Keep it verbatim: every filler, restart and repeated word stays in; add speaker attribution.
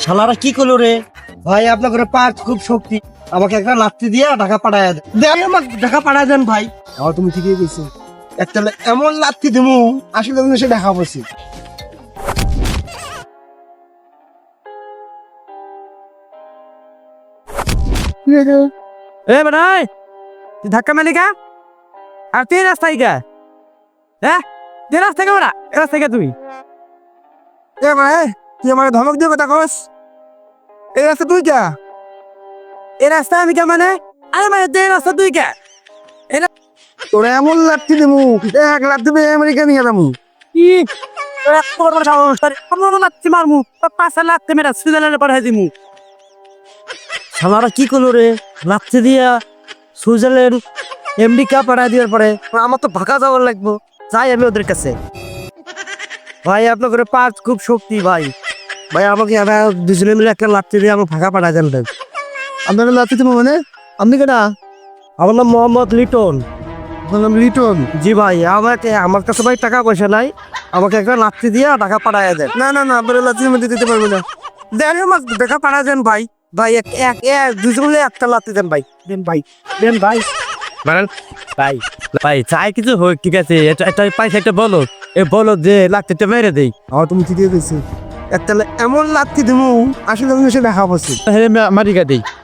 Speaker 1: শালারা কি করলো রে ভাই? আপনার ঘরে পাঁচ খুব শক্তি, আমাকে একটা লাত্তি দিয়ে ঢাকা পাঠায় দেন। দেন আমাকে ঢাকা পাঠায় দেন ভাই।
Speaker 2: আমার তুমি ঠিকই কইছো।
Speaker 1: একটা এমন লাত্তি দিমু আসলে তুমি সে দেখা বসি।
Speaker 3: এ বানাই তুই ধাক্কা মারলি কা? আর তুই রাস্তায় কা? হ্যাঁ তুই রাস্তায় কা? না রাস্তায় কা তুই?
Speaker 2: এ ভাই তুই আমার ধমক দিয়ে কথা কস? এই রাস্তা তুই যা।
Speaker 3: এই রাস্তা আমি কা মানে? আরে মানে তুই রাস্তা তুই কা?
Speaker 2: তোরা এমন লাঠি দিমু, এক লাঠি দিয়ে আমেরিকা নিয়ে যাবো।
Speaker 3: কি তোর এত বড় বড় সাহস? তোর এত বড় লাত্তি মারমু, তোর পাঁচটা লাত্তি মেরা সুইজারল্যান্ডে পাঠাই দিমু।
Speaker 1: শালারা কি করলো রে? লাত্তি দিয়া সুইজারল্যান্ড আমেরিকা পাঠায় দেওয়ার পরে আমার তো ভাগা যাওয়ার লাগবো। যাই আমি ওদের কাছে। ভাই আপনার ঘরে পাঁচ খুব শক্তি ভাই। ভাই আমাকে এরা দুজনে মিলে একটা লাত্তি দিয়ে আমাকে ভাগা পাঠায় দেন ভাই।
Speaker 2: আপনার লাঠি দিবো মানে? আপনি কেনা?
Speaker 1: আমার নাম মোহাম্মদ লিটন।
Speaker 2: আপনার নাম লিটন?
Speaker 1: জি ভাই, আমাকে আমার কাছে ভাই টাকা পয়সা নাই, আমাকে একটা লাত্তি দিয়ে টাকা পাঠায় দেন।
Speaker 2: না না না, আপনার লাঠি মধ্যে দিতে পারবো না।
Speaker 1: দেন আমাকে টাকা পাঠায় দেন ভাই। ভাই এক এক এক দুজন মিলে একটা লাত্তি দেন ভাই। দেন ভাই, দেন ভাই।
Speaker 3: মানে ভাই ভাই চাই কিছু হোক, ঠিক আছে, এটা একটা পাইছে একটা বলো, এ বলো যে লাত্তিটা মেরে দেই।
Speaker 2: আমার তুমি ঠিকই কইছো। একটা এমন লাঠি দিমু আসলে তুমি সে দেখা বসি।
Speaker 3: মারিকা দেই।